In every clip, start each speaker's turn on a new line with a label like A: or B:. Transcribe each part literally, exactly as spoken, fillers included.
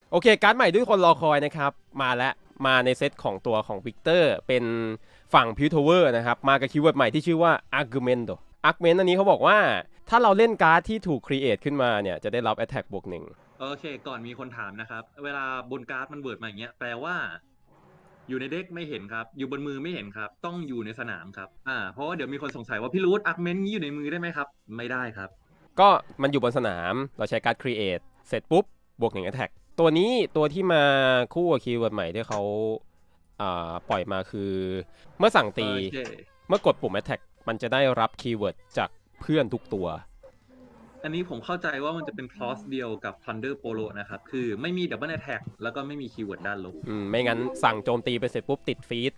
A: โอเคการ์ดใหม่ที่คนรอคอยนะครับมาแล้วมาในเซตของตัวของวิกเตอร์เป็นฝั่งพิวทเวอร์นะครับมากับคีย์เวิร์ดใหม่ที่ชื่อว่า Argumento Argument อันนี้เขาบอกว่าถ้าเราเล่นการ์ดที่ถูกครีเอทขึ้นมาเนี่ยจะได้รับ Attack บวกหนึ่ง
B: โอเคก่อนมีคนถามนะครับเวลาบนการ์ดมันเวิร์ดมาอย่างเงี้ยแปลว่าอยู่ในเด็กไม่เห็นครับอยู่บนมือไม่เห็นครับต้องอยู่ในสนามครับอ่าเพราะว่าเดี๋ยวมีคนสงสัยว่าพี่รูทอาร์กเมนต์นี้อยู่ในมือได้ไหมครับไม่ได้ครับ
A: ก็มันอยู่บนสนามเราใช้การ์ดครีเอทเสร็จปุ๊บบวกหนึ่ง Attack ตัวนี้ตัวที่มาคู่กับคีย์เวิร์ดใหม่ที่เขาอ่าปล่อยมาคือเมื่อสั่งตีเมื่อกดปุ่ม Attack มันจะได้รับคีย์เวิร์ดจากเพื่อนทุกตัว
B: อันนี้ผมเข้าใจว่ามันจะเป็นคลอสเดียวกับ Thunder Polo นะครับคือไม่มี Double Attack แล้วก็ไม่มีคีย์เวิร์ดด้านลบ
A: อืมไม่งั้นสั่งโจมตีไปเสร็จปุ๊บติดฟีด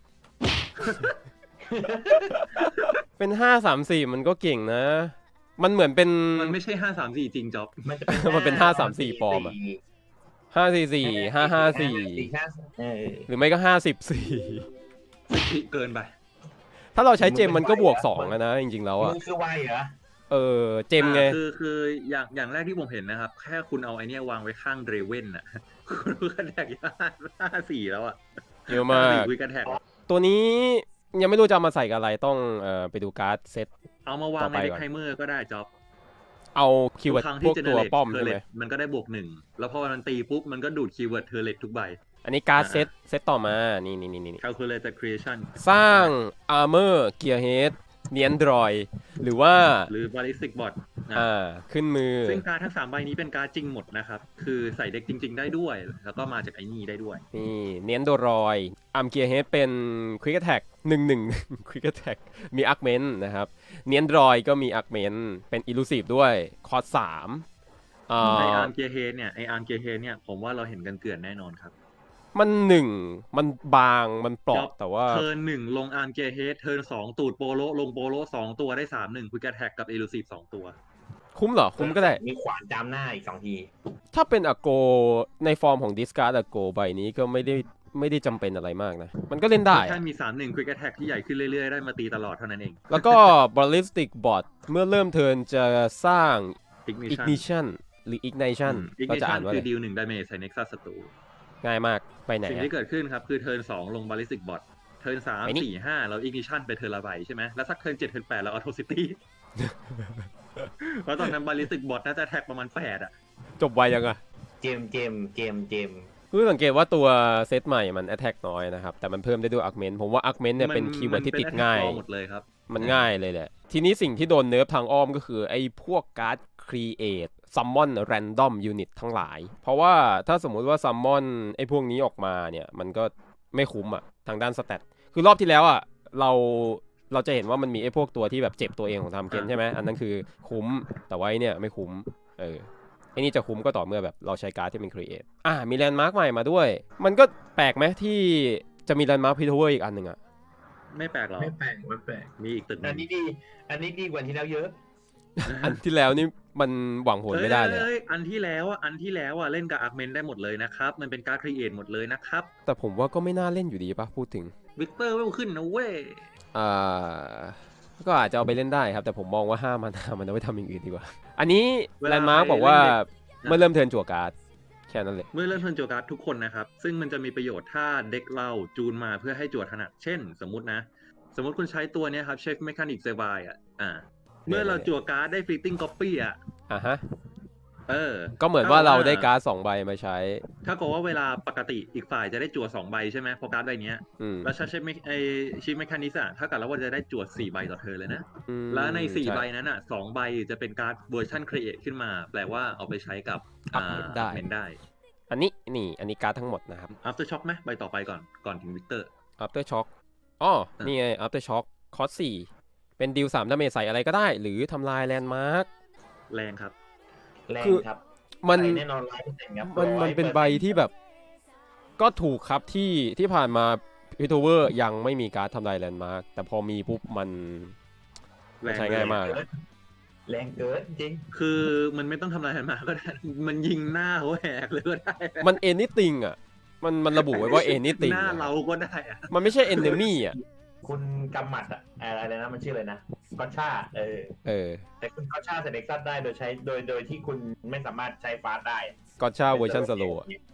A: เป็นห้าสามสี่มันก็เก่งนะมันเหมือนเป็น
B: มันไม่ใช่ห้าสามสี่จริงจ๊อบ
A: มันเป็นห้าสามสี่ปลอมอะห้าสี่สี่ห้าห้าสี่หรือไม่ก็ห้าสิบสี่
B: เกินไป
A: ถ้าเราใช้เจมมันก็บวกสองนะจริงๆแล้วอะ
C: คือไวเหรอ
A: เออเจมไง
B: คือคืออย่างอย่างแรกที่ผมเห็นนะครับแค่คุณเอาไอเนี้ยวางไว้ข้างเดรเว่นน่ะคุณกระแทกห้าสี่แล้วอะ
A: เยอะมากตัวนี้ยังไม่รู้จะมาใส่กับอะไรต้องเอ่อไปดูการ์ดเซต
B: เอามาวางในเด็กไทเมอร์ก็ได้จ็อบ
A: เอาคีย์เวิร์ดพวกตัวป้อมใช่ไหม
B: มันก็ได้บวกหนึ่งแล้วพอมันตีปุ๊บมันก็ดูดคีย์เวิร์ดเทอร์เลตทุกใบ
A: อันนี้การ์ดเซตเซตต่อมานี่นี่นี่นี่
B: Calculated Creation
A: สร้าง Armor Gearhead เนียนดรอยหรือว่า
B: หรือ Ballistic Bot
A: อ่าขึ้นมือ
B: ซึ่งการ์ดทั้งสามใบนี้เป็นการ์ดจริงหมดนะครับคือใส่เด็กจริงๆได้ด้วยแล้วก็มาจากไอ้นี่ได้ด้วย
A: นี่เนียนดรอยอาร์มเกียร์เฮดเป็น Quick Attack หนึ่ง หนึ่ง Quick Attack มี Augment นะครับเนียนดรอยก็มี Augment เป็น Elusive ด้วยคอร์สสาม
B: ไออาร์มเกียร์เฮดเนี่ยไออาร์มเกียร์เฮดเนี่ยผมว่าเราเห็นกันเกลื่อนแน่นอนครับ
A: มันหนึ่งมันบางมันปลอกแต่ว่า
B: เทิร์นหนึ่งลงอาร์มเกียร์เฮดเทิร์นสองตูดโปโลลงโปโลสองตัวได้สามหนึ่ง Quick Attack กับ Elusive สองตัว
A: คุ้มเหรอคุ้มก็ได้
C: มีขวานจามหน้าอีกสองที
A: ถ้าเป็นอโกในฟอร์มของดิสการ์ดอโกใบนี้ก็ไม่ได้ไม่ได้จำเป็นอะไรมากนะมันก็เล่นได้
B: แค่มี สามหนึ่ง Quick Attack ที่ใหญ่ขึ้นเรื่อยๆได้มาตีตลอดเท่านั้นเอง
A: แล้วก็ Ballistic Bot เมื่อเริ่มเทิร์นจะสร้าง Ignition หรือ Ignition
B: ก็จะอ่านว่าคือดีลหนึ่งดาเมจใส่ Nexus ศัตรู
A: ง่ายมากไปไหน
B: สิ่งที่เกิดขึ้นครับคือเทิร์นสองลง Ballistic Bot เทิร์นสาม สี่ ห้าเรา Ignition ไปเทิร์นละใบใช่ไหมแล้วสักเทิร์นเจ็ดเทิร์นแปดเรา Atrocityเพราะตอนนั้นบาลิสติกบอทน่าจะแท็กประมาณแปดอะ
A: จบไวยังอะ
C: เจมเจมเจมเจม
A: คือสังเกตว่าตัวเซตใหม่มัน attack น้อยนะครับแต่มันเพิ่มได้ด้วย augment ผมว่า augment เนี่ยเป็นคีย์เวิร์ดที่ติดง่าย
B: หมดเลยครับ
A: มันง่ายเลยแหละทีนี้สิ่งที่โดนเนิร์ฟทางอ้อมก็คือไอ้พวกการ์ด create summon random unit ทั้งหลายเพราะว่าถ้าสมมุติว่า summon ไอ้พวกนี้ออกมาเนี่ยมันก็ไม่คุ้มอะทางด้านสแตทคือรอบที่แล้วอะเราเราจะเห็นว่ามันมีไอ้พวกตัวที่แบบเจ็บตัวเองของทำเกนใช่ไหมอันนั้นคือคุ้มแต่ว่าไอ้เนี่ยไม่คุ้มเออไอ้นี่จะคุ้มก็ต่อเมื่อแบบเราใช้การ์ดที่เป็น create อ่ะมีแลนด์มาร์คใหม่มาด้วยมันก็แปลกไหมที่จะมีแลนด์มาร์คพิทเวอร์อีกอันหนึ่งอะ
B: ไม่แปลกหรอ
C: ไม่แปลกไม่แปลก
B: มีอีกตึก
C: อันนี้ดีอันนี้ดีกว่าที่แล้วเยอะ
A: อันที่แล้วนี่มันหวังผลไม่ได้เลย
B: อันที่แล้วอ่ะอันที่แล้วอ่ะเล่นกับอาร์เมนได้หมดเลยนะครับมันเป็นการ์ด create หมดเลยนะครับ
A: แต่ผมว่าก็ไม่น่าเล่นอยู่ดีป่ะพูดถึง
B: วิกเตอร์เวลขึ้นนะเว้ย
A: อ่าก็อาจจะเอาไปเล่นได้ครับแต่ผมมองว่าห้ามันมันเอาไปทำอย่างอื่นดีกว่าอันนี้แลนด์มาร์คบอกว่าเมื่อเริ่มเทิร์นจั่วการ์ดแค่นั้นเลย
B: เมื่อเริ่มเทิร์นจั่วการ์ดทุกคนนะครับซึ่งมันจะมีประโยชน์ถ้าเด็กเราจูนมาเพื่อให้จั่วถนัดเช่นสมมุตินะสมมติคุณใช้ตัวนี้ครับเชฟเมคานิกเซบายอ่ะอ่าเมื่อเราจั่วการ์ดได้ฟลิตติ้งก๊อปปี้อ่ะ
A: อ่าฮะ
B: เออ
A: ก็เหมือนว่าเราได้การ์ดสองใบมาใช้
B: ถ้าเกิดว่าเวลาปกติอีกฝ่ายจะได้จั่วสองใบใช่ไหมพอการ์ดใบนี้แล้วใช้ไอชิปเมคานิสอ่ะถ้าเกิดแล้วว่าจะได้จั่วสี่ใบต่อเธอเลยนะแล้วในสี่ใบนั้นอ่ะสองใบจะเป็นการ์ดเวอร์ชันครีเอทขึ้นมาแปลว่าเอาไปใช้กับ
A: อ่าได้
B: ได้
A: อันนี้นี่อันนี้การ์ดทั้งหมดนะครับ
B: after shock ไหมใบต่อไปก่อนก่อนถึงวิกเตอร์
A: after shock อ๋อนี่ไง after shock คอร์สสี่เป็นดิวสามดาเมจใส่อะไรก็ได้หรือทำลายแลนด์มาร์ค
B: แรงครับ
C: แรงครับ
A: มัน
C: แน่นอนร้อยเปอร์เซ็นต์ครับ
A: มันมันเป็นใบที่แบบก็ถูกครับที่ที่ผ่านมาพิทเวอร์ยังไม่มีการ์ดทำลายแลนด์มาร์คแต่พอมีปุ๊บมันใช้ง่ายมาก
C: แรงเกินจริง
B: คือมันไม่ต้องทำลายแลนด์มาร์คก็ได้มันยิงหน้าเขาแหกเลยก็ได้
A: มัน anything อ่ะมันมันระบุไว้ว่า anything
B: หน้าเราก็ได้อะ
A: มันไม่ใช่ enemy อ่ะ
C: คุณกำหมัดอะอะไรนะมันชื่ออะไรนะกอชาเออ
A: เออ
C: แต่คุณกอชาเซเน็กซัสได้โดยใช้โดยโดยที่คุณไม่สามารถใช้ฟาสได้
A: กอชาเวอร์ชันสโลว์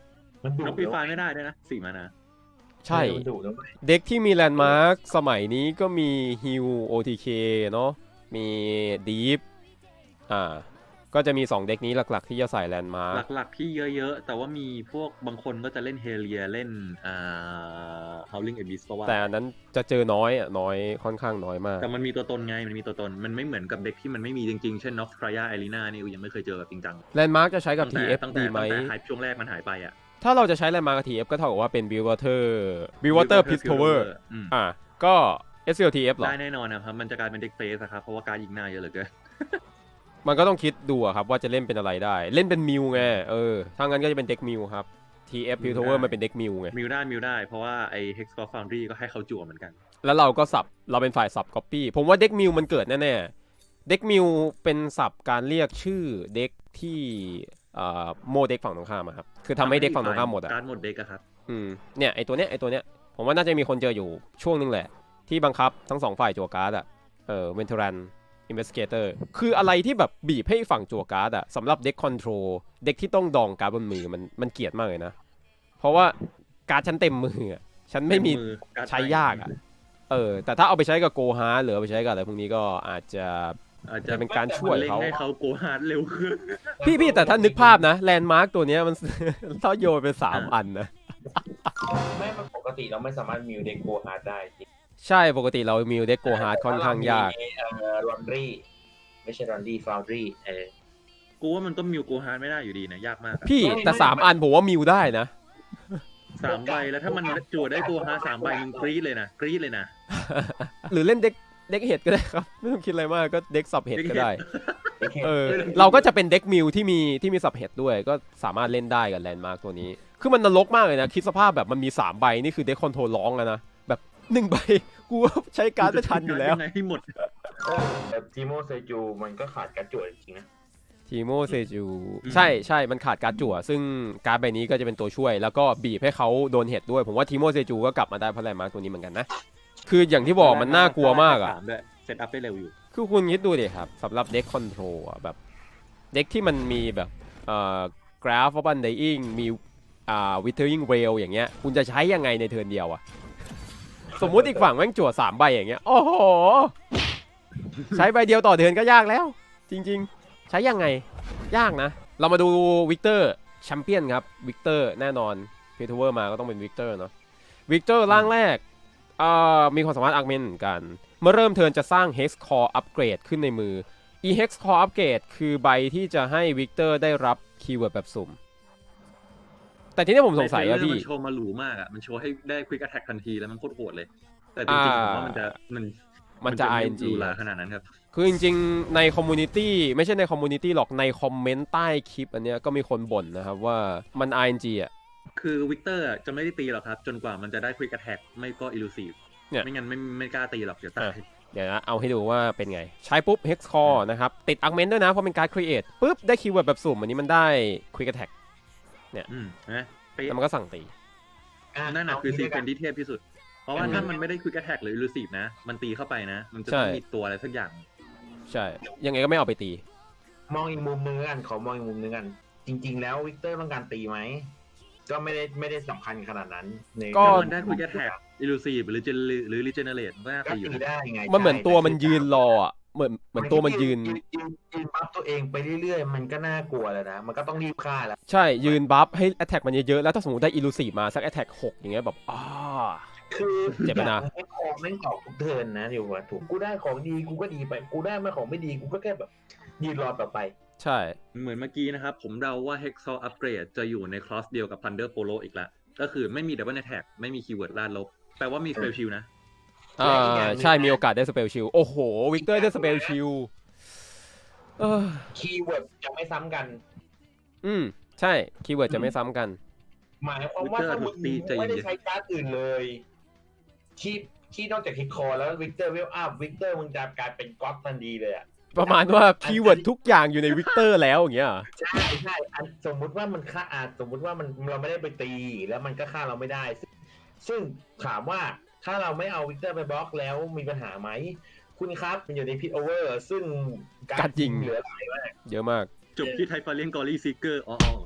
C: มันดุ
B: นกปีฟ้าไม่ได้ด้วยนะสี่มานา
A: ใช่
C: มันดุนะ
A: เด็กที่มีแลนด์มาร์คสมัยนี้ก็มีฮิว โอ ที เค เนาะมีดีฟอ่าก็จะมีสองเด็กนี้หลักๆที่จะใส่แลนด์มาร์ค
B: หลักๆที่เยอะๆแต่ว่ามีพวกบางคนก็จะเล่นเฮเลียเล่นอ่า Howling Abyss ก็ว่า
A: แต่อันนั้นจะเจอน้อยอ่ะน้อยค่อนข้างน้อยมาก
B: แต่มันมีตัวตนไงมันมีตัวตนมันไม่เหมือนกับเด็กที่มันไม่มีจริงๆเช่น Nox Traya Arena นี่กูยังไม่เคยเจอแบบจริงจัง
A: แลนด์มาร์คจะใช้กับ ที เอฟ
B: ตั้งแต่
A: ดีไหม
B: ตั้งแต่ไฮช่วงแรกมันหายไปอ่ะ
A: ถ้าเราจะใช้แลนด์มาร์คกับ ที เอฟ ก็เท่ากับว่าเป็น Buildwater Buildwater Piltover อ่าก็ เอส แอล ที เอฟ หรอ
B: ได้แน่นอนนะครับมันจะกลายเป็นเด็กเฟสครับเพราะว่าการยิงหน้าเยอะเหลือเกิน
A: มันก็ต้องคิดดูครับว่าจะเล่นเป็นอะไรได้เล่นเป็นมิวไงเออถ้างั้นก็จะเป็นเด็กมิวครับ ที เอฟ Piltover มันเป็นเด็กมิวไง
B: มิวได้มิวได้เพราะว่าไอ้ Hexcore Foundry ก็ให้เขาจั่วเหมือนกัน
A: แล้วเราก็สับเราเป็นฝ่ายสับ copy ผมว่าเด็กมิวมันเกิดแน่ๆเด็กมิวเป็นสับการเรียกชื่อเด็กที่อ่าโมเด็กฝั่งตรงข้ามครับคือทำให้เด็กฝั่งตรงข้ามหมดอ่ะ
B: การหมดเด็กอะครับ
A: อืมเนี่ยไอตัวเนี้ยไอตัวเนี้ยผมว่าน่าจะมีคนเจออยู่ช่วงนึงแหละที่บังคับทั้งสองฝ่ายจั่วการ์ดอ่ะเออเวนเทอรันInvestigator คืออะไรที่แบบบีบให้ฝั่งจั่วการ์ดอะสำหรับเด็กคอนโทรลเด็กที่ต้องดองการ์ดบนมือมันมันเกลียดมากเลยนะเพราะว่าการ์ดฉันเต็มมืออะฉันไม่มีใช้ยากอะเออแต่ถ้าเอาไปใช้กับโกฮาร์หรือเอาไปใช้กับอะไรพวกนี้ก็อาจจะ
B: อาจจะ
A: เป็นการช่วยเขา
B: ให้เขาโกฮาร์ดเร็วขึ้น
A: พี่พี่แต่ถ้านึกภาพนะแลนด์มาร์กตัวเนี้ยมันถ้าโยนไปสามอันนะ
C: ไม่ปกติเราไม่สามารถมิวเด็กโกฮาร์ดได้
A: ใช่ปกติเรามิวเด็กโกฮาร์ดค่อนข้างยาก
C: รอนรี่ไม่ใช่รอนรี่ฟาวรี่เออ
B: กูว่ามันก็มิวโกฮาร์ดไม่ได้อยู่ดีนะยากมาก
A: พี่แต่สามอันผมว่ามิวได้นะ
B: สามใบแล้วถ้ามันจั่วได้โกฮาร์ดสามใบมึงกรี๊ดเลยนะกรี๊ดเลยนะ
A: หรือเล่นเด็กเด็กเห็ดก็ได้ครับไม่ต้องคิดอะไรมากก็เด็กสับเห็ดก็ได้เออเราก็จะเป็นเด็กมิวที่มีที่มีสับเห็ดด้วยก็สามารถเล่นได้กับแลนด์มาร์กตัวนี้คือมันนรกมากเลยนะคิดสภาพแบบมันมีสามใบนี่คือเด็กคอนโทรลร้องอะนะแบบหนึ่งใบกูใช้การ์ดไม่ทันอยู่แล้ว
B: ให้หมด
C: แต่ทีโมเซจูมันก็ขาดการจั่วจริงๆนะ
A: ทีโมเซจูใช่ใช่มันขาดการ์ดจั่วซึ่งการ์ดใบนี้ก็จะเป็นตัวช่วยแล้วก็บีบให้เขาโดนเห็ดด้วยผมว่าทีโมเซจูก็กลับมาได้เพราะแลนด์มาร์กตัวนี้เหมือนกันนะคืออย่างที่บอกมันน่ากลัวมากอ่ะ
B: เซตอัพได้เร็วอยู่
A: คือคุณคิดดูดิครับสำหรับเด็กคอนโทรลอ่ะแบบเด็กที่มันมีแบบเอ่อกราฟออฟบันไดอิงมีอ่าวิเทอร์ยิงเรลอย่างเงี้ยคุณจะใช้ยังไงในเทิร์นเดียวอ่ะสมมุติอีกฝั่งแม่งจั่วสามใบอย่างเงี้ยโอ้โหใช้ใบเดียวต่อเทิร์นก็ยากแล้วจริงๆใช้ยังไงยากนะเรามาดูวิกเตอร์แชมเปี้ยนครับวิกเตอร์แน่นอนเพทูเวอร์มาก็ต้องเป็นวิกเตอร์เนาะวิกเตอร์ร่างแรกอ่ามีความสามารถอาร์คเมนเหมือนกันเมื่อเริ่มเทิร์นจะสร้าง Hex Core Upgrade ขึ้นในมือ e Hex Core Upgrade คือใบที่จะให้วิกเตอร์ได้รับคีย์เวิร์ดแบบสุ่มแต่ทีนี้ผมสงสัยว่าพี่
B: มันโชว์มาหรูมากอ่ะมันโชว์ให้ได้ Quick Attack ทันทีแล้วมันโคตรโหดเลยแต่จริงๆผมว่ามันจะมัน
A: มันจะ อาร์ เอ็น จี
B: ขนาดนั้นครับ
A: คือจริงๆในคอมมูนิตี้ไม่ใช่ในคอมมูนิตี้หรอกในคอมเมนต์ใต้คลิปอันเนี้ยก็มีคนบ่นนะครับว่ามัน อาร์ เอ็น จี อ่ะ
B: คือวิกเตอร์จะไม่ได้ตีหรอกครับจนกว่ามันจะได้ Quick Attack ไม่ก็ Elusive ไม่งั้นไม่ไม่กล้าตีหรอกเดี๋ยวตาย
A: เดี๋ยวนะเอาให้ดูว่าเป็นไงใช้ปุ๊บ Hex Core นะครับติด Augment ด้วยนะเพราะเป็นการ Create ปุ๊บได้คีย์เวิร์ดแบบสุ่มอันนี้มันได้ Quick Attack เนี่ยแล้วมันก็สั่งตี
B: นั่นน่ะคือซีเควนซ์ที่เทพที่สุดเพราะว่าถ้ามันไม่ได้ Quick Attack หรือ Elusive นะมันตีเข้าไปนะมันจะต้องมีตัวอะไรสักอย่าง
A: ใช่ยังไงก็ไม่เอาไปตี
C: มองอีกมุมนึงกันขอมองอีกมุมนึงกันจริงๆแล้ววิกเตอร์ต้องการตีไหมก็ไม่ได้ไม่ได้สำคัญขนาดนั้น
B: ก็มันได้ Quick Attack Elusive หรือหรือ Regenerate ก็
C: ตีอยู่ได้ไง
A: มันเหมือนตัวมันยืนรออ่ะเหมือนเหมือนตัวมันยืน
C: ยืนบัฟตัวเองไปเรื่อยๆมันก็น่ากลัวแล้วนะมันก็ต้องรีบฆ่าแล้ว
A: ใช่ยืนบัฟให้ Attack มันเยอะๆแล้วถ้าสมมติได้ Elusive มาสัก Attack หกอย่างเงี้ยแบบอ้า
C: คือเจ็บนะให้ของไม่ตอกทุกเทิร์นนะอยู่ว่าถูกกูได้ของดีกูก็ดีไปกูได้มาของไม่ดีกูก็แค่แบบยืนรอต่อไป
A: ใช่
B: เหมือนเมื่อกี้นะครับผมเดาว่า Hexcore Upgrade จะอยู่ในคลอสเดียวกับ Thunder Polo อีกแล้วก็คือไม่มี Double Attack ไม่มีคีย์เวิร์ดลาดลบแปลว่ามี Spell Shield นะ
A: อ่าใช่มีโอกาสได้ Spell Shield โอ้โหวิกเตอร์ได้ Spell Shield เออ
C: คีย์เวิร์ดจะไม่ซ้ำกัน
A: อืมใช่คีย์เวิร์ดจะไม่ซ้ำกัน
C: หมายความว่าถ้ามึงไม่ได้ใช้การ์ดอื่นเลยที่ที่นอกจากฮิตคอแล้ววิกเตอร์เวลอัพวิกเตอร์มึงจะกลายเป็นก๊อตทันทีเลยอ่ะ
A: ประมาณว่าคีย์เวิร์ดทุกอย่างอยู่ในวิกเตอร์แล้วอย่างเงี้ย
C: ใช่ใช่สมมุติว่ามันฆ่าอาจสมมุติว่ามันเราไม่ได้ไปตีแล้วมันก็ฆ่าเราไม่ได้ซึ่งถามว่าถ้าเราไม่เอาวิกเตอร์ไปบล็อกแล้วมีปัญหาไหมคุณครับมันอยู่ในพิทโอเวอร์ซึ่ง
A: การยิง
C: เหลือหลายมาก
A: เยอะมาก
B: จบที่ไทฟาเลียนกอรี่ซีเกอร์อ๋อ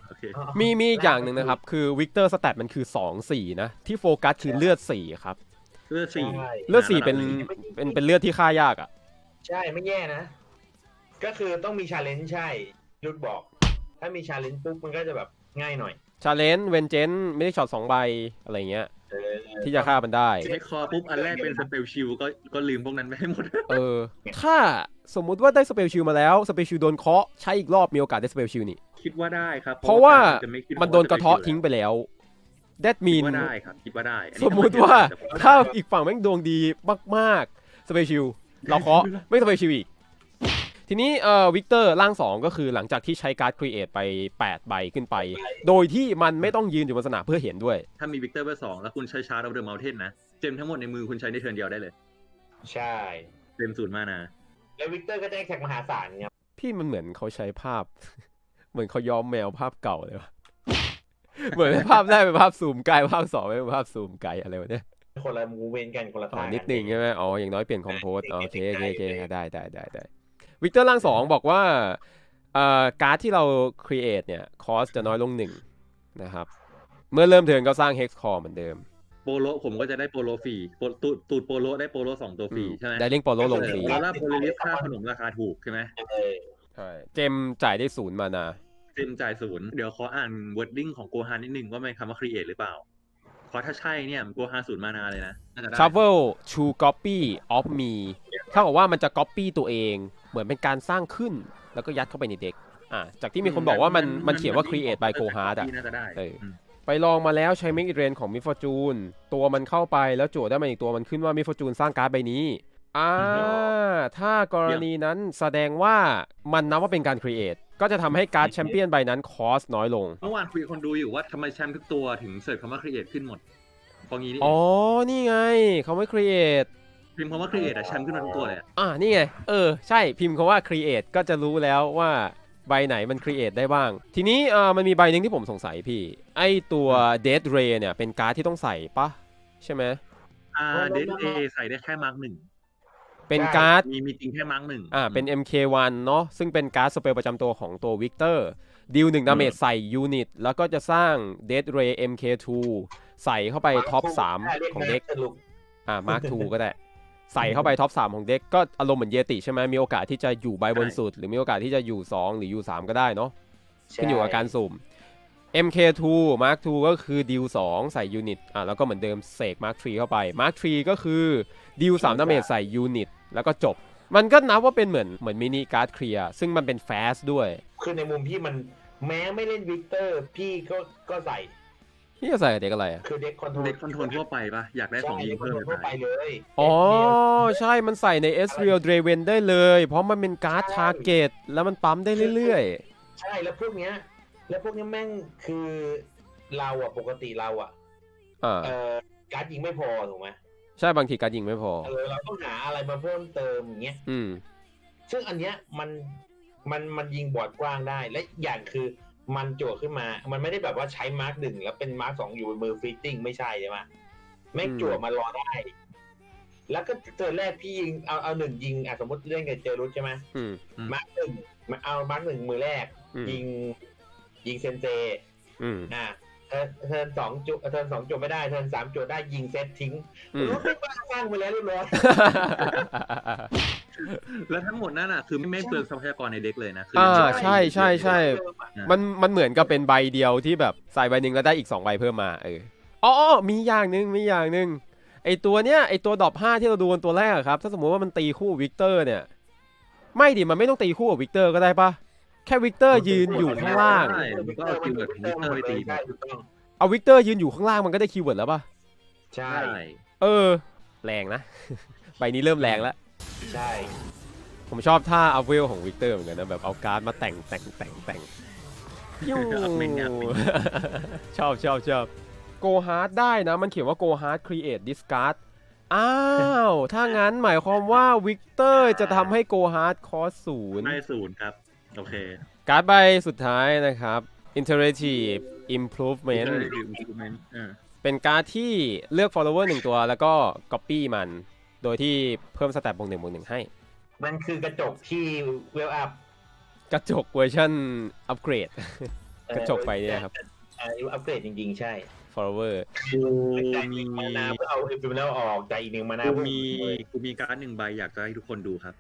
B: โอเค
A: มีมีอีกอย่างหนึ่งนะครับ คือวิกเตอร์สแตทมันคือสองสี่นะ ที่โฟกัสคือเลือดสี่ครับ
B: เลือดสี่
A: เลือดสี่เป็นเป็นเป็นเลือดที่ฆ่ายากอ่ะ
C: ใช่ไม่แย่นะ ก็คือต้องมีชาเลนจ์ใช่ยุดบอก ถ้ามีชาเลนจ์ปุ๊บมันก็จะแบบง่ายหน่อย
A: ชาเลนจ์เวนเจนไม่ได้ช็อตสองใบอะไรเงี้ย
C: เออ
A: ที่จะฆ่ามันได้
B: ใช้คอปุ๊บอันแรกเป็นสเปลชิลก็ก็ลืมพวกนั้นไปให้หมด
A: เออ ถ้าสมมุติว่าได้สเปลชิลมาแล้วสเปลชิลโดนเคาะใช้อีกรอบมีโอกาสได้สเปลชิลนี่
B: คิดว่าได้ครับ
A: เพราะว่า
B: จะไขึ้
A: มันโดนกระเทาะทิ้งไปแล้ว that
B: คิด
A: mean
B: ว่าได้ครับคิดว่าได้อันนี้
A: สมมุติว่าถ้าอีกฝั่งแม่งดวงดีมากๆสเปชิลเราเคาะไม่สเปชิลอีก ทีนี้เอ่อวิกเตอร์ร่างสองก็คือหลังจากที่ใช้การ์ดครีเอทไปแปดใบขึ้นไป โดยที่มันไม่ต้องยืนอยู่บนสนามเพื่อเห็นด้วย
B: ถ้ามีวิกเตอร์เบอร์สองแล้วคุณใช้ชาร์ดเอาเดอะเมลเทนนะเจมทั้งหมดในมือคุณใช้ในเทิร์นเดียวได้เลย
C: ใช่
B: เต็มศูนย์มานะ
C: แล้ววิกเตอร์ก็ได้แท็กมหาศาลครับ
A: พี่มันเหมือนเขาใช้ภาพ เหมือนเขาย้อมแมวภาพเก่าเลยวะ เหมือนภาพแรกเป็นภาพซูมไกลภาพสองเป็นภาพซูมไกลอะไรวะเนี่ย
C: คนละมูเวนกันคนละ
A: อ๋อ
C: ทาง
A: นิดนึงใช่ไหมอ๋ออย่างน้อยเปลี่ยนคอมโพสโอเคโอเคโอเคได้ได้ได้ได้วิกเตอร์ร่างสองบอกว่าเอ่อการ์ดที่เรา create เนี่ยคอสจะน้อยลงหนึ่งนะครับเมื่อเริ่มเทิร์นก็สร้าง hex core เหมือนเดิม
B: โปโลผมก็จะได้โปโลฟรีโปตูดตูดโปโลได้โปโลสองตัวฟรีใช่ไหม
A: ได้เล่งโปโลลงฟรี
B: แล้วโพลิลิสค่าขนมราคาถูกใช่ไหม
C: เออ
A: ใช่เจมจ่ายได้ศูนย์มานา
B: เจมจ่ายศูนย์เดี๋ยวขออ่าน wording ของโกฮานนิดนึงว่าเป็นคำว่า create หรือเปล่าเพราะถ้าใช่เนี่ยโกฮานศูนย์มานาเลยนะน่าจะได้
A: travel to copy of me เท่ากับว่ามันจะ copy ตัวเองเหมือนเป็นการสร้างขึ้นแล้วก็ยัดเข้าไปในเด็กอ่ะจากที่มีคนบอกว่ามันมันเขียนว่า create by Gohard อ่ะ
B: น่าจะได้
A: เออ ไปลองมาแล้วใช้ Make It Rain ของ Miss Fortune ตัวมันเข้าไปแล้วโจทย์ได้มาอีกตัวมันขึ้นว่า Miss Fortune สร้างการ์ดใบนี้อ่าถ้ากรณีนั้นแสดงว่ามันนับว่าเป็นการ create ก็จะทำให้การ์ดแชมเปี้ยนใบนั้นคอสน้อยลง
B: เมื่อวานคุยกับคนดูอยู่ว่าทำไมแชมป์ทุกตัวถึงเสิร์ชคำว่า create ขึ้นหมดเพราะงี้นี่
A: อ๋อ นี่ไงเขาไม่ create
B: พิมพ์คำว่า create อะแชมป์ขึ้นมาทุกตัวเลยอะ
A: อ่านี่ไง เออ ใช่ พิมพ์คำว่า create ก็จะรู้แล้วว่าใบไหนมัน create ได้บ้าง ทีนี้เอ่อมันมีใบหนึ่งที่ผมสงสัยพี่ ไอตัว Death Ray เนี่ย เป็นการ์ดที่ต้องใส่ปะใช่ไหม
B: อ่าเดนเอใส่ได้แค่มาร์กหนึ่ง
A: เป็นการ์ด
B: มีมีจริงแค่มาร์กหนึ่ง
A: อ่า เป็น เอ็ม เค วัน เนาะ ซึ่งเป็นการ์ดสเปลประจำตัวของตัว Victor ดีลหนึ่งดาเมจใส่ยูนิต แล้วก็จะสร้าง Death Ray เอ็ม เค ทู ใส่เข้าไปท็อปสามของเด็ก อ่า มาร์ค ทูก็ได้ ใส่เข้าไปท็อปสามของเด็กก็อารมณ์เหมือนเยติใช่ไหมมีโอกาสที่จะอยู่ใบบนสุด หรือมีโอกาสที่จะอยู่สองหรืออยู่สามก็ได้เนาะขึ้นอยู่กับการสุ่ม เอ็ม เค ทู มาร์ค ทู ก็คือดีลสองใส่ยูนิตอ่ะแล้วก็เหมือนเดิมเสก มาร์ค ทรี เข้าไป มาร์ค ทรี ก็คือดีลสามดาเมจใส่ยูนิตแล้วก็จบมันก็นับว่าเป็นเหมือนเหมือนมินิการ์ดเคลียร์ซึ่งมันเป็นแฟสด้วย
C: คือในมุมพี่มันแม้ไม่เล่นวิกเตอร์พี่ก็ก็ใส่
A: พี่จะใส่กับเด็กอะไรอ่ะ
C: คือเด็กคอนโทรล
B: เด็กคอนโทรลทั่วไปปะอยากได้ของยิงเพิ่ม
C: ทั่วไปเลย
A: อ๋อใช่มันใส่ใน Ezreal Draven ได้เลย เพราะมันเป็นการ์ดทาร์เก็ตแล้วมันปั๊มได้เรื่อย
C: ใช่แล้วพวกเนี้ยแล้วพวกเนี้ยแม่งคือเราอะปกติเราอะ
A: ๆอ่า
C: เอ่อการ์ดยิงไม่พอถูกไหม
A: ใช่บางทีการดยิงไม่พอ
C: เออเราต้องหาอะไรมาเพิ่มเติมอย่างเงี้ย
A: อืม
C: ซึ่งอันเนี้ยมันมันมันยิงบอร์ดกว้างได้และอย่างคือมันโจทย์ขึ้นมา มันไม่ได้แบบว่าใช้มาร์กหนึ่งแล้วเป็นมาร์กสองอยู่บนมือฟิตติ้งไม่ใช่ใช่ไหมแม่งจั่วมารอได้ แล้วก็เจอแรกพี่ยิงเอาเอาหนึ่งยิงอ่ะสมมติเล่นกับเจอรุสใช่ไหม
A: อืม
C: มาร์กหนึ่งมาเอามาร์กหนึ่งมือแรก
A: อืม
C: ยิงยิงเซนเซ
A: อืม
C: อ่ะเทิร์นเทิร์นสองจุเทิร์นสองจุไม่ได้เทิร์นสามจุได้ยิงเซตทิ้ง
A: อืม
C: รุสไม่บ้าสร้างไปแล้วเรียบร้อย
B: แล้วทั้งหมดนั่นอ่ะคือไม่ไม่เปลืองทรัพยากรในเด็กเลยนะคื
A: อ่า
B: ยัง
A: ใช่ใช่ใช่ มันมันเหมือนกับเป็นใบเดียวที่แบบใส่ใบหนึ่งแล้วได้อีกสองใบเพิ่มมาเอออ๋อมีอย่างหนึ่งมีอย่างหนึ่งไอตัวเนี้ยไอตัวดรอปห้าที่เราดูกันตัวแรกอะครับถ้าสมมติว่ามันตีคู่วิกเตอร์เนี่ยไม่ดิมันไม่ต้องตีคู่กับวิกเตอร์ก็ได้ปะแค่วิกเตอร์ยืนอยู่ข้างล่าง
B: ใช่มันก็เอาคีย์เวิร์ดของวิกเตอร์ไปตี
C: ใช่ถูกต้อง
A: เอาวิกเตอร์ยืนอยู่ข้างล่างมันก็ได้คีย์เวิร์ดแล้วปะ
C: ใช่
B: ใช่
A: เออแรงนะ ใบนี้เริ่มแรงแล้ว
C: ใช่
A: ผมชอบท่าอัพเวลของวิกเตอร์เหมือนกันนะแบบเอาการ์ดมาแต่งแต่งแต่งแต่งยู ชอบชอบชอบโกฮาร์ดได้นะมันเขียนว่าโกฮาร์ด create discard อ้าว ถ้างั้นหมายความว่าวิกเตอร์จะทำให้โกฮาร์ดคอสศูนย์
B: ได้ศูนย์ครับโอเค
A: การ์ดใบสุดท้ายนะครับ interactive improvement
B: อ่า
A: เป็นการ์ดที่เลือก follower หนึ่งตัวแล้วก็ copy มัน โดยที่เพิ่มสแตทบวกหนึ่งบวกหนึ่งให้
C: มันคือกระจกที่เวลอัพ
A: กระจกเวอร์ชันอัปเกรด
C: เ
A: กระจกไปเนี่ยครับ
C: อันนี้อัปเกรดจริงๆใช่
A: follower
B: กูมี
C: มานาเพื่อเอาเอฟิมแล้วออกใจอีกหนึ่งมานา
B: กู
C: เพื่อ
B: มีกูมีการ์ดหนึ่งใบอยากจะให้ทุกคนดูครับ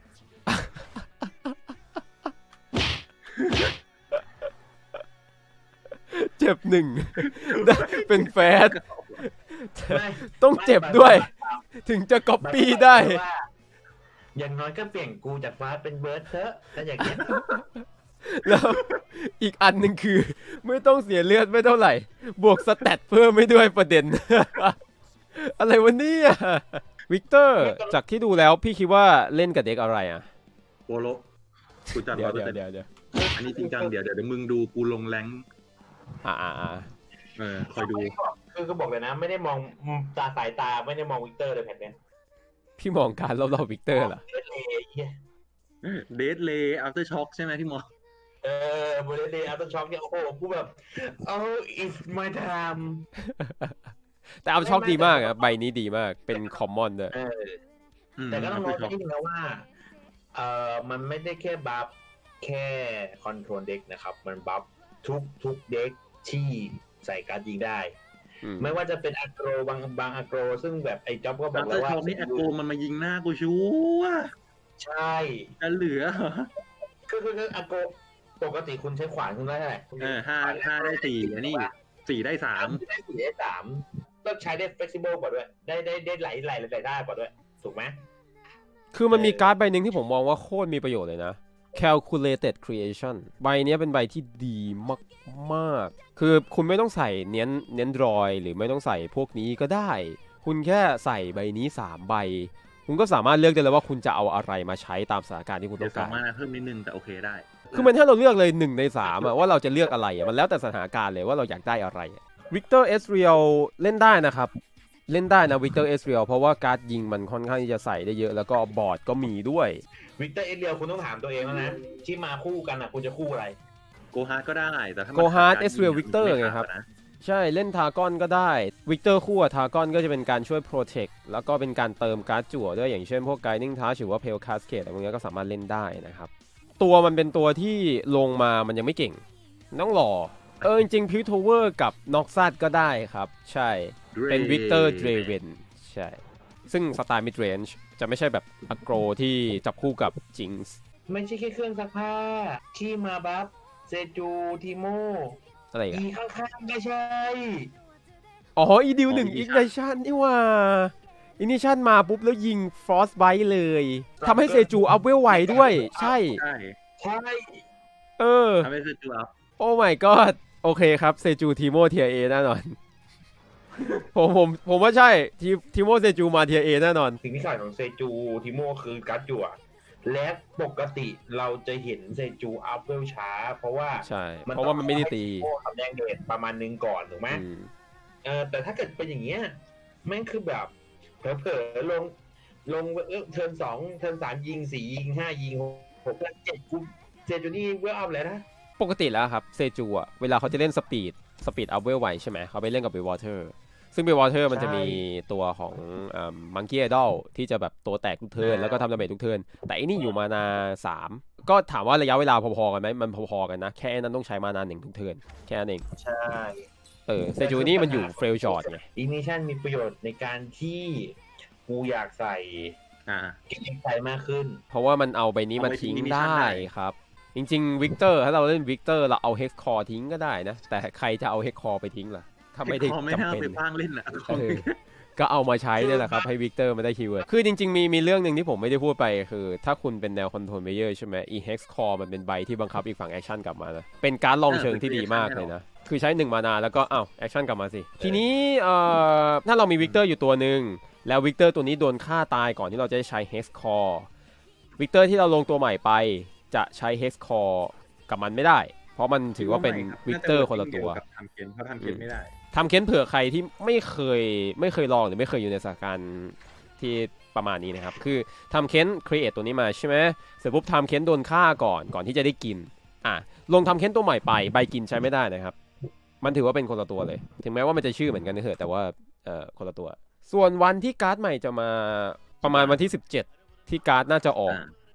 A: เจ็บหนึ่ง เป็นแฟด
C: ไม่
A: ต้องเจ็บด้วย ถึงจะก๊อปปี้ได้
C: ว่าอย่างน้อยก็เปลี่ยนกูจากฟ้าเป็นเบิร์ดเถอะถ้าอย่างเงี้ย
A: แล้วอีกอันหนึ่งคือ ไม่ต้องเสียเลือดไม่เท่าไหร่ บวกสแตทเพิ่มไม่ด้วยประเด็น อะไรวะเนี่ยวิกเตอร์จากที่ดูแล้วพี่คิดว่าเล่นกับเด็กอะไรอ่ะ
B: โปโลกูจัด
A: เดี๋ยว
B: ร้อยเปอ
A: เดี๋
B: ร์
A: ยว
B: เซ็นต์
A: เดี๋ยวเดี๋ยว
B: อันนี้จริงจังเดี๋ยวเดี๋ยวเดี๋ยวมึงดูกูลงแรงค์
A: อ่าอ่าอ่า
B: เออคอยดู
C: คือก็บอกเลยนะ ไม่ได้มองตาสายตาไม่ได้มองวิกเตอร์เลยแผ่นเนี้ย
A: พี่มองการรอบๆวิกเตอร์เหรอ
C: เดทเลยเหี้ย
B: เดทเลย์อัลเตอร์ช็อคใช่ไหมที่มอง
C: เออบริเดย์อัลตช็อคเนี่ยโอ้โหกูแบบ oh it's my time
A: แต่เอาช็อกดีมากอะใบนี้ดีมากเป็นคอมมอนด้วย
C: เออแต่ก็ต้องรู้นิดนึงนะว่าเออมันไม่ได้แค่บัฟแค่คอนโทรลเด็กนะครับ มันบัฟทุกทุกเด็กที่ใส่การ์ดยิงได้ ไม่ว่าจะเป็นอ g โกรบางบางอ g โกรซึ่งแบบไอ้จ็อบก็บ
B: อั
C: อก
B: ลเต
C: แล้
B: อ
C: ว
B: ร์
C: ว่า
B: ช็อคนี่แอคโกมันมายิงหน้ากูชัวร์
C: ใช่
B: จะเหลือ
C: คือคือคืออ g โกรปกติคุณใช้ขวานคุณได้เท่าไหร่
B: เออห้าห้าได้สี่อันนี้สี่ได้สาม
C: ได้สี่ได้สามต้องใช้ได้ flexible กว่าด้วย ได้ได้ได้ไหลไหลไหลได้กว่าด้วย ถูกไหม
A: คือมันมีการ์ดใบหนึ่งที่ผมมองว่าโคตรมีประโยชน์เลยนะ calculated creation ใบนี้เป็นใบที่ดีมากๆคือคุณไม่ต้องใส่เน้นเน้นรอยหรือไม่ต้องใส่พวกนี้ก็ได้ คุณแค่ใส่ใบนี้สามใบคุณก็สามารถเลือกได้เลยว่าคุณจะเอาอะไรมาใช้ตามสถานการณ์ที่คุณ
B: เดี๋
A: ต้
B: ย
A: อ
B: ว
A: ง
B: สา
A: การ
B: มารถเพิ่มนิดนึงแต่โอเคได้
A: คือมันให้เราเลือกเลยหนึ่งในสามอะว่าเราจะเลือกอะไรอะมันแล้วแต่สถานการณ์เลยว่าเราอยากได้อะไรวิกเตอร์เอสเรียลเล่นได้นะครับเล่นได้นะวิกเตอร์เอสเรียลเพราะว่าการ์ดยิงมันค่อนข้างที่จะใส่ได้เยอะแล้วก็บอร์ดก็มีด้วย
C: วิกเตอร์เอสเรียลคุณต้องถามตัวเองแล้วนะ ที่มาคู่กันอ่ะคุณจะคู่อะไร
B: โกฮาร์ดก็ได้แต่ถ้า
A: โกฮาร์ดเอสเรียลวิกเตอร์ไงครับใช่เล่นทากอนก็ได้วิกเตอร์คู่กับทากอนก็จะเป็นการช่วยโปรเทคแล้วก็เป็นการเติมการ์ดจั่วด้วยอย่างเช่นพวกไกดิ้งทัชหรือว่าเพลคาสเคดอะไรพวกนี้ก็สามารถเล่นได้นะครับตัวมันเป็นตัวที่ลงมามันยังไม่เก่งต้องรอเออจริงๆพิวทเวอร์กับน็อกซัดก็ได้ครับใช่เป็นวิกเตอร์เดรเวนใช่ซึ่งสไตล์มิดเรนจ์จะไม่ใช่แบบอโกรที่จับคู่กับจิงส์
C: ไม่ใช่แค่เครื่องซักผ้าที่มาบัฟเซจูทีโม
A: อะไรอี
C: อี
A: ก
C: ข้างๆไม่ใช่
A: อ๋ออีดิวหนึ่งอีกไนชั่นนี่ว่าอินิชั่นมาปุ๊บแล้วยิงฟรอสไบท์เลยทำให้เซจูอัพเวลไวด้วยใช่
B: ใช่
C: ใช่
A: เออ
B: ทำให้เซจูอัพ
A: โอ้ my god โอเคครับเซจูทีโมเทียเอแน่นอน ผมผมผมว่าใช่ทีทีโมเซจูมาเทียเอแน่นอน
C: สิ่งที่ขาดของเซจูทีโมคือการ์ดจั่วและปกติเราจะเห็นเซจูอัพเวลช้า เพราะว่า
A: ใช่เพราะว่ามันไม่ได้ตี
C: โอ้ทำแดงเดชประมาณนึงก่อนถูกไหม
A: อืม
C: เออแต่ถ้าเกิดเป็นอย่างเงี้ยแม่งคือแบบเผลอๆลงลงเออเทิร์นสองเทิร์นสามยิงสี่ยิงห้ายิงหกเทิร์นเจ็ดกูเซจูนี่เวลอัพเลยนะ
A: ปกติแล้วครับเซจูอะเวลาเขาจะเล่นสปีดสปีดอัพเวลไวใช่ไหมเขาไปเล่นกับเบวอเตอร์ซึ่งเบวอเตอร์มันจะมีตัวของมังกี้ไอดอลที่จะแบบตัวแตกทุกเทิร์นแล้วก็ทำดาเมจทุกเทิร์นแต่อันนี้อยู่มานาสามก็ถามว่าระยะเวลาพอๆกันไหมมันพอๆกันนะแค่นั้นต้องใช้มานาหนึ่งทุกเทิร์นแค่นั้นเอง
C: ใช่
A: เออเซจูนี่มันอยู่เฟรลจอร์ดไง
C: อินิชันมีประโยชน์ในการที่กูอยากใส่
B: อ่า
C: เก็บใส่มากขึ้น
A: เพราะว่ามันเอาใบนี้มาทิ้งได้ครับจริงๆวิกเตอร์ถ้าเราเล่นวิกเตอร์เราเอาเฮกคอร์ทิ้งก็ได้นะแต่ใครจะเอาเฮกคอร์ไปทิ้งล่ะถ้าไม่ได้
B: คอไม่
A: จำ
B: น่า
A: เป็น
B: ไปพางเล่นอ่ะ
A: เออก็เอามาใช้เนี่ยแหละครับให้วิกเตอร์มาได้คีย์เวิร์ดคือจริงๆมีมีเรื่องหนึ่งที่ผมไม่ได้พูดไปคือถ้าคุณเป็นแนวคอนโทรลเพลเยอร์ใช่ไหม อี เฮกซ์ Core มันเป็นใบที่บังคับอีกฝั่งแอคชั่นกลับมานะเป็นการลองเชิงที่ดีมากเลยนะคือใช้หนึ่งมานาแล้วก็อ้าวแอคชั่นกลับมาสิทีนี้เอ่อถ้าเรามีวิกเตอร์อยู่ตัวหนึ่งแล้ววิกเตอร์ตัวนี้โดนฆ่าตายก่อนที่เราจะใช้ เฮกซ์ Core วิกเตอร์ที่เราลงตัวใหม่ไปจะใช้ เฮกซ์ Core กับมันไม่ได้เพราะมันถือว่าเป็นวิกเตอร์คนละตัว
B: ทำเกมเขาทำเกมไม่ได้
A: ทำเค้นเผื่อใครที่ไม่เคยไม่เคยลองหรือไม่เคยอยู่ในสถานการณ์ที่ประมาณนี้นะครับคือทำเค้น create ตัวนี้มาใช่ไหมเสร็จปุ๊บทำเค้นโดนฆ่าก่อนก่อนที่จะได้กินอ่ะลงทำเค้นตัวใหม่ไปใบกินใช้ไม่ได้นะครับมันถือว่าเป็นคนละตัวเลยถึงแม้ว่ามันจะชื่อเหมือนกันนะเถอะแต่ว่าเอ่อคนละตัวส่วนวันที่การ์ดใหม่จะมาประมาณวันที่สิบเจ็ดที่การ์ดน่าจะออก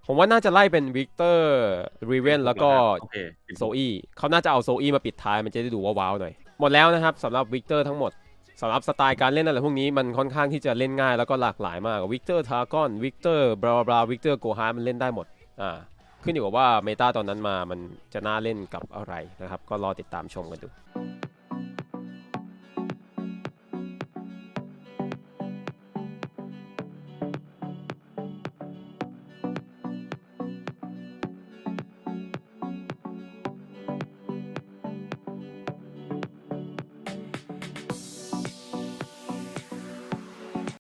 A: ผมว่าน่าจะไล่เป็นวิกเตอร์รีเวนแล้วก็
B: โอเค
A: โซอี้เขาน่าจะเอาโซอี้มาปิดท้ายมันจะได้ดูว้าวๆหน่อยหมดแล้วนะครับสำหรับวิกเตอร์ทั้งหมดสำหรับสไตล์การเล่นอะไรพวกนี้มันค่อนข้างที่จะเล่นง่ายแล้วก็หลากหลายมากวิกเตอร์ทากอนวิกเตอร์บลาบลาวิกเตอร์โกฮาร์มันเล่นได้หมดอ่าขึ้นอยู่กับว่าเมตาตอนนั้นมามันจะน่าเล่นกับอะไรนะครับก็รอติดตามชมกันดู